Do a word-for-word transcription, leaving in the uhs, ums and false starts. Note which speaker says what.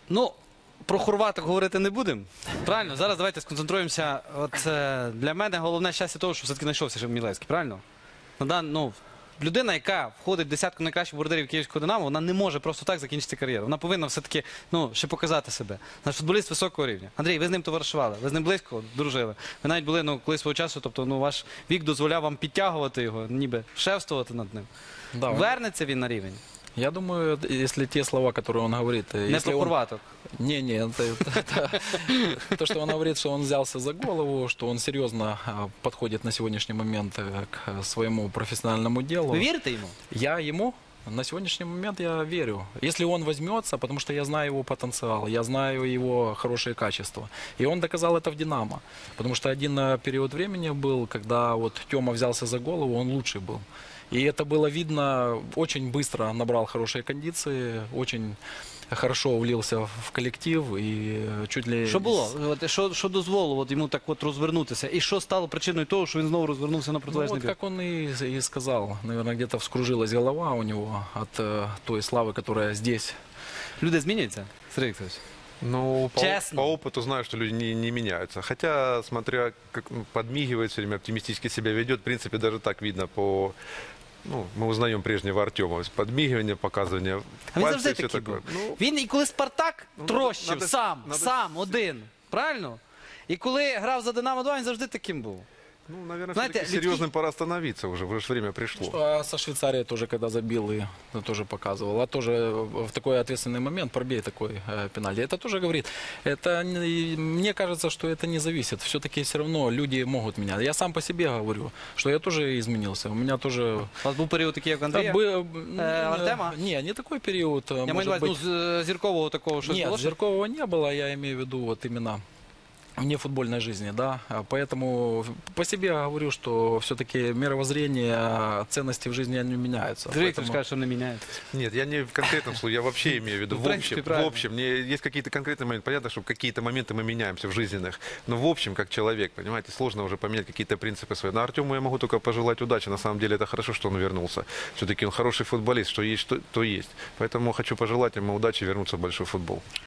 Speaker 1: Ну, про хорваток говорити не будемо. Правильно? Зараз давайте сконцентруємося. От е, для мене головне щастя того, що все-таки знайшовся ще Мілевський. Правильно? Ну, да, ну, людина, яка входить в десятку найкращих бордерів Київського Динамо, вона не може просто так закінчити кар'єру. Вона повинна все-таки, ну, ще показати себе. Наш футболіст високого рівня. Андрій, ви з ним товаришували, ви з ним близько дружили. Ви навіть були, ну, коли свого часу, тобто, ну, ваш вік дозволяв вам підтягувати його, ніби шефствувати над ним.
Speaker 2: Да,
Speaker 1: Вернеться він на рівень?
Speaker 2: я думаю, если те слова, которые он говорит...
Speaker 1: Не
Speaker 2: если
Speaker 1: про
Speaker 2: он...
Speaker 1: хорваток.
Speaker 2: Не, не, это, это- то, что он говорит, что он взялся за голову, что он серьезно а, подходит на сегодняшний момент э, к своему профессиональному делу.
Speaker 1: Ви вірите йому?
Speaker 2: Я ему на сегодняшний момент я верю. Если он возьмется, потому что я знаю его потенциал, я знаю его хорошие качества. И он доказал это в «Динамо». Потому что один э, период времени был, когда вот Тёма взялся за голову, он лучший был. И это было видно, очень быстро набрал хорошие кондиции, очень хорошо влился в коллектив и чуть ли...
Speaker 1: Що було? От, що, що дозволило от йому так от розвернутися? І що стало причиною того, що він знову розвернувся на
Speaker 2: Ну,
Speaker 1: протилежний
Speaker 2: вот
Speaker 1: бік?
Speaker 2: как он и, и сказал, наверное, где-то вскружилась голова у него от э, той славы, которая здесь.
Speaker 1: Люди змінюються, Сергій Вікторович?
Speaker 3: Ну, по,
Speaker 1: Честно.
Speaker 3: по опыту знаю, что люди не, не меняются. Хотя, смотря как ну, подмигивает все время, оптимистически себя ведет, в принципе, даже так видно по... Ну, мы узнаем прежнего Артема. Подмигивание, показывание
Speaker 1: А він
Speaker 3: пальцев
Speaker 1: завжди
Speaker 3: и все
Speaker 1: такий
Speaker 3: такое.
Speaker 1: був.
Speaker 3: Ну,
Speaker 1: Він і коли Спартак
Speaker 3: Ну,
Speaker 1: трощив
Speaker 3: надо-
Speaker 1: сам,
Speaker 3: надо-
Speaker 1: сам, один. Правильно? І коли грав за Динамо два, він завжди таким був.
Speaker 3: ну, наверное,
Speaker 1: Знаете,
Speaker 3: все-таки
Speaker 1: людские-
Speaker 3: серьезным пора остановиться уже. Уже ж время пришло.
Speaker 2: А со Швейцарией тоже, когда забил, и ну, тоже показывал. А тоже в такой ответственный момент пробей такой э, пенальти. Это тоже говорит. Это не- мне кажется, что это не зависит. Все-таки все равно люди могут менять. Я сам по себе говорю, что я тоже изменился. У меня тоже...
Speaker 1: У вас був період такий, як у Андрія?
Speaker 2: Бы-
Speaker 1: Э, Артема?
Speaker 2: Не, не такой период.
Speaker 1: Я маю
Speaker 2: может
Speaker 1: на увазі, ну,
Speaker 2: быть.
Speaker 1: з е, зіркового такого щось
Speaker 2: Нет,
Speaker 1: було? що-
Speaker 2: Зеркова не было, я имею в виду вот именно вне футбольной жизни, да. А Поэтому по себе говорю, что все-таки мировоззрение, ценности в жизни они меняются.
Speaker 1: Сергій Вікторович
Speaker 2: Поэтому-
Speaker 1: каже, що не міняється.
Speaker 3: Нет, я не в конкретном случае, я вообще имею в виду
Speaker 1: В
Speaker 3: в
Speaker 1: принципе,
Speaker 3: общем. В
Speaker 1: правильно.
Speaker 3: общем, мне есть какие-то конкретные моменты. Понятно, что какие-то моменты мы меняемся в жизненных. Но в общем, как человек, понимаете, сложно уже поменять какие-то принципы свои. Но Артему я могу только пожелать удачи. На самом деле это хорошо, что он вернулся. Все-таки он хороший футболист, что есть, что, то есть. Поэтому хочу пожелать ему удачи вернуться в большой футбол.